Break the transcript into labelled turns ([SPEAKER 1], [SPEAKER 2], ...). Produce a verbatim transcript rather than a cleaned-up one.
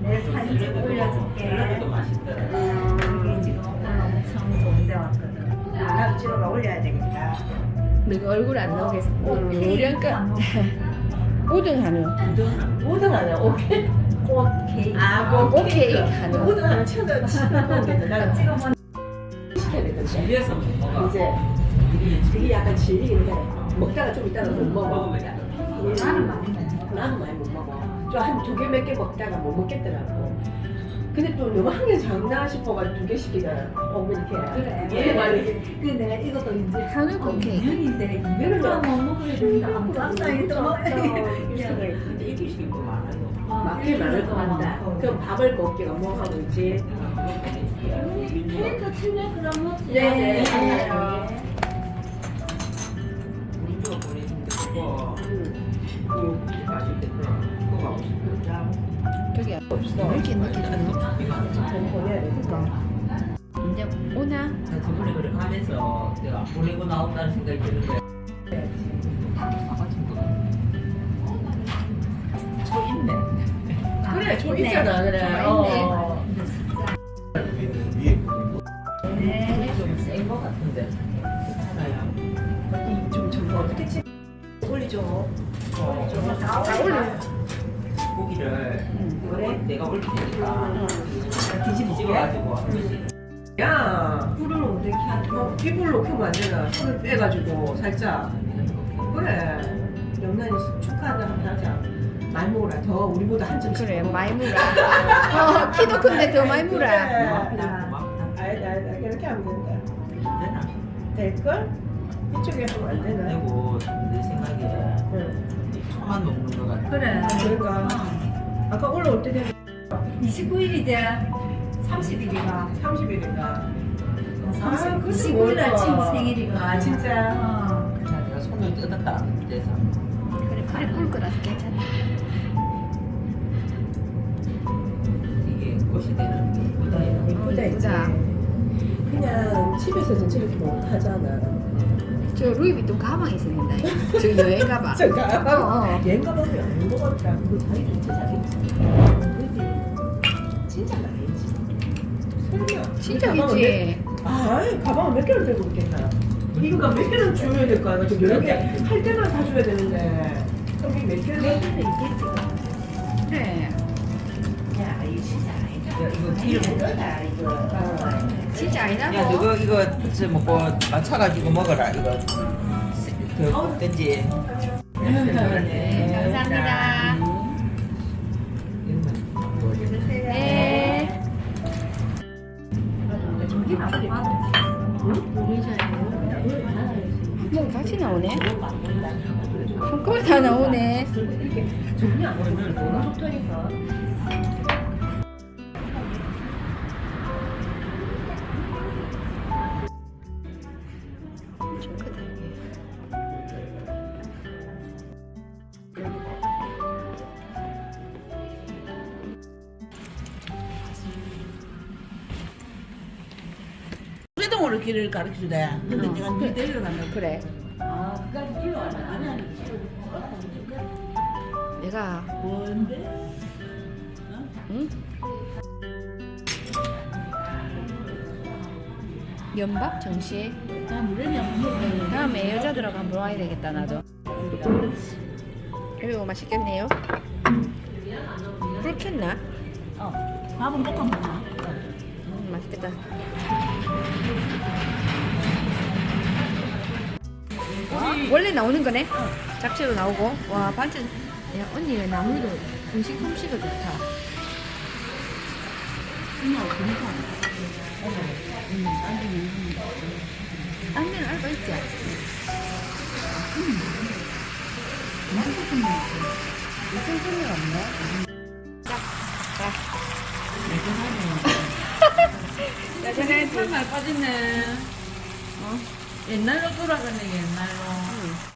[SPEAKER 1] 내 사진 찍어 올려줄게.
[SPEAKER 2] 샐러드도 맛있더라.
[SPEAKER 1] 여기 지금 오늘 엄청 좋은 데 왔거든. 나도 찍어가 올려야 되겠다.
[SPEAKER 3] 내가 얼굴 안 나오겠어. 요리할까? 우등 한우.
[SPEAKER 1] 모든 하나 오케이. 꽃 케이크. 아,
[SPEAKER 3] 꽃 케이크 하나.
[SPEAKER 1] 모든 하나 쳐다 치는 나가 찍어 먹. 시켜야 되거든.
[SPEAKER 2] 질려서 못 먹어.
[SPEAKER 1] 이제 그게 약간 질리긴 해. 먹다가 좀 이따가 못 먹어.
[SPEAKER 2] 먹으면 돼.
[SPEAKER 1] 나는 많이 먹어. 나는 많이 못 먹어. 좀 한 두 개 몇 개 먹다가 못 먹겠더라고. 근데 또 너무 한 개 작나 싶어가지고 두 개 시키잖아. 어, 이렇게.
[SPEAKER 4] 그래.
[SPEAKER 1] 얘 말이.
[SPEAKER 4] 그 내가 이것도 이제
[SPEAKER 3] 한우 꽃 케이크.
[SPEAKER 4] 년인데 이거를 못 먹으려 된다. 안 깜짝이 또
[SPEAKER 2] 근데 이기식이 또 많아요.
[SPEAKER 1] 맞게 많을 것 같다. 그럼 밥을 먹기가 뭐 하고 있지?
[SPEAKER 4] 캐릭터 칠레 그럼 먹지.
[SPEAKER 1] 네.
[SPEAKER 2] 우리 쪽 보내준 게 그거 그거 맛있겠더라. 그거 하고 싶다.
[SPEAKER 3] 저기
[SPEAKER 1] 없어.
[SPEAKER 3] 왜 이렇게 늦게 주노?
[SPEAKER 1] 좀 보내야 되니까.
[SPEAKER 3] 이제 오나?
[SPEAKER 2] 나 저번에 그래 가면서 내가 안 보내고 나온다는 생각이 드는데 아가진 거 저 있네.
[SPEAKER 1] 그래, 저 있잖아, 그래. 어.
[SPEAKER 4] 네.
[SPEAKER 2] 좀센거 같은데 괜찮아요.
[SPEAKER 1] 좀 저거 어떻게 치? 올리죠.
[SPEAKER 2] 어,
[SPEAKER 1] 저거 다 올려.
[SPEAKER 2] 고기를
[SPEAKER 1] 그래?
[SPEAKER 2] 내가 올릴 테니까
[SPEAKER 1] 뒤집어.
[SPEAKER 2] 뒤집어가지고 한 번씩
[SPEAKER 1] 야,
[SPEAKER 4] 불을 어떻게 하지?
[SPEAKER 1] 어, 이불로 켜면 안 되나? 손을 빼가지고 살짝. 그래. 영란이 축하한다 한번 하자. 많이 먹어라. 더 우리보다 한 점씩.
[SPEAKER 3] 그래,
[SPEAKER 1] 먹어.
[SPEAKER 3] 많이 물어. 어, 키도 큰데 더 많이 물어.
[SPEAKER 1] 그래.
[SPEAKER 2] 고맙다. 고맙다.
[SPEAKER 1] 알다, 알다. 이렇게 하면 된다.
[SPEAKER 2] 되나?
[SPEAKER 1] 될걸? 이쪽에 하면 안 되나?
[SPEAKER 2] 그리고 내 생각에
[SPEAKER 1] 응.
[SPEAKER 2] 초만 먹는 거 같아.
[SPEAKER 4] 그래.
[SPEAKER 1] 그러니까. 아까 올라올 때 되면
[SPEAKER 4] 이십구 일이지. 삼십 일이가.
[SPEAKER 1] 삼십 일인가?
[SPEAKER 4] 삼십,
[SPEAKER 1] 그래도
[SPEAKER 4] 이십구 일 날
[SPEAKER 1] 뭘까?
[SPEAKER 4] 친구 생일이가.
[SPEAKER 1] 아, 진짜?
[SPEAKER 4] 어.
[SPEAKER 2] 자, 내가 손을 뜯었다. 그래서
[SPEAKER 3] 그래, 팔이 뿔 거라서 괜찮아.
[SPEAKER 2] 이게 꽃이 되는 게 이쁘다.
[SPEAKER 1] 이쁘다 했지.
[SPEAKER 3] 이쁘다.
[SPEAKER 1] 그냥 집에서는 저렇게 못 하잖아.
[SPEAKER 3] 저 루이비통 가방이 생긴다. 저 여행 가방.
[SPEAKER 1] 잠깐.
[SPEAKER 3] 어, 어.
[SPEAKER 1] 여행 가방이 안 먹었다. 그거 자기도 진짜 잘했지. 그지? 진짜 잘했지. 설마.
[SPEAKER 3] 진짜
[SPEAKER 1] 가방은
[SPEAKER 3] 있지.
[SPEAKER 1] 몇- 아, 가방을 몇 개를 들고 있겠나? 이거가 몇 개는 줘야 될 거 아니야? 좀 여러 개할 때만 다 줘야 되는데. 그럼 이몇 개를 할 때는 있겠지.
[SPEAKER 3] 그래.
[SPEAKER 1] 야, 이거 진짜 아니다.
[SPEAKER 2] 야, 이거 기름.
[SPEAKER 1] 이거다, 이거.
[SPEAKER 3] 진짜 아니라고.
[SPEAKER 2] 야, 너거 이거 부츠 먹고 맞춰가지고 먹어라. 이거 그 어떤지.
[SPEAKER 3] 네, 감사합니다. 네.
[SPEAKER 1] 저기 앞에
[SPEAKER 3] 뭐 같이 나오네. 한꺼번에 다 나오네.
[SPEAKER 1] 이렇게 종이 안 오면 너무 좋다니까.
[SPEAKER 3] 좀 크다 이게.
[SPEAKER 5] 수계동으로 길을 가르쳐주대. 근데
[SPEAKER 3] 어.
[SPEAKER 5] 내가 니 데리러 간다.
[SPEAKER 3] 그래.
[SPEAKER 5] 아, 그까지 길로 왔나? 아니, 아니.
[SPEAKER 3] 내가
[SPEAKER 5] 뭔데?
[SPEAKER 3] 응? 연밥 정시.
[SPEAKER 5] 나 물에는 안 먹어.
[SPEAKER 3] 다음에 여자 들어가면 물어야 되겠다 나도. 이거 맛있겠네요. 불 켰나?
[SPEAKER 5] 어. 밥은 볶아 먹어.
[SPEAKER 3] 음, 맛있겠다. 원래 나오는 거네? 잡채로 나오고. 와 반찬. 야 언니 나물도 음식 솜씨가 좋다.
[SPEAKER 5] 그냥 그니까.
[SPEAKER 3] 딴 데는 알바 있지? 무슨 소리가 없네? 자, 자.
[SPEAKER 5] 예전에 참말 빠졌네. 어? 옛날로 돌아가네, 옛날로.
[SPEAKER 3] 응.